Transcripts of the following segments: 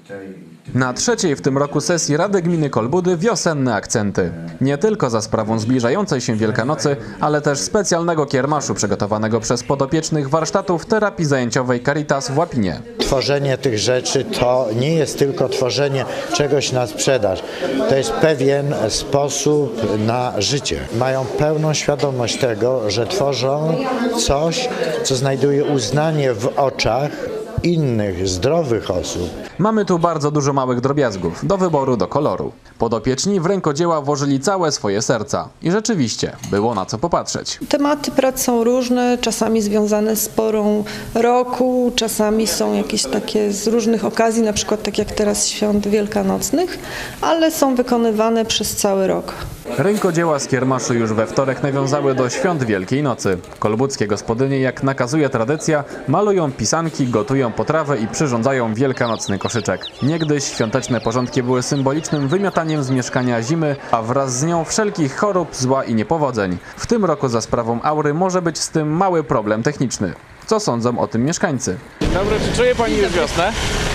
Na trzeciej w tym roku sesji Rady Gminy Kolbudy wiosenne akcenty. Nie tylko za sprawą zbliżającej się Wielkanocy, ale też specjalnego kiermaszu przygotowanego przez podopiecznych warsztatów terapii zajęciowej Caritas w Łapinie. Tworzenie tych rzeczy to nie jest tylko tworzenie czegoś na sprzedaż. To jest pewien sposób na życie. Mają pełną świadomość tego, że tworzą coś, co znajduje uznanie w oczach innych, zdrowych osób. Mamy tu bardzo dużo małych drobiazgów, do wyboru, do koloru. Podopieczni w rękodzieła włożyli całe swoje serca. I rzeczywiście, było na co popatrzeć. Tematy prac są różne, czasami związane z porą roku, czasami są jakieś takie z różnych okazji, na przykład tak jak teraz świąt wielkanocnych, ale są wykonywane przez cały rok. Rękodzieła z kiermaszu już we wtorek nawiązały do świąt Wielkiej Nocy. Kolbudzkie gospodynie, jak nakazuje tradycja, malują pisanki, gotują potrawę i przyrządzają wielkanocny koszyczek. Niegdyś świąteczne porządki były symbolicznym wymiotaniem z mieszkania zimy, a wraz z nią wszelkich chorób, zła i niepowodzeń. W tym roku za sprawą aury może być z tym mały problem techniczny. Co sądzą o tym mieszkańcy? Dobra, czy czuje Pani już wiosnę?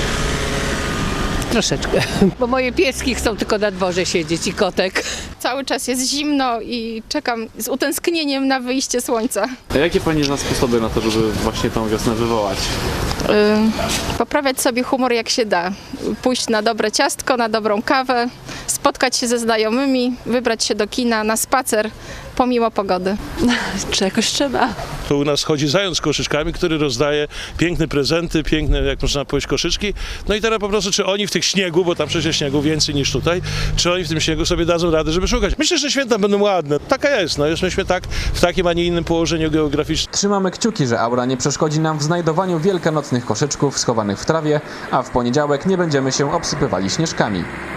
Troszeczkę, bo moje pieski chcą tylko na dworze siedzieć i kotek. Cały czas jest zimno i czekam z utęsknieniem na wyjście słońca. A jakie Pani zna sposoby na to, żeby właśnie tą wiosnę wywołać? Poprawiać sobie humor jak się da. Pójść na dobre ciastko, na dobrą kawę, spotkać się ze znajomymi, wybrać się do kina, na spacer, pomimo pogody. Czegoś trzeba. Tu u nas chodzi zając z koszyczkami, który rozdaje piękne prezenty, piękne, jak można powiedzieć, koszyczki. No i teraz po prostu, czy oni w tych śniegu, bo tam przecież śniegu więcej niż tutaj, czy oni w tym śniegu sobie dadzą radę, żeby szukać. Myślę, że święta będą ładne. Taka jest, no jesteśmy tak w takim, a nie innym położeniu geograficznym. Trzymamy kciuki, że aura nie przeszkodzi nam w znajdowaniu wielkanocnych koszyczków schowanych w trawie, a w poniedziałek nie będziemy się obsypywali śnieżkami.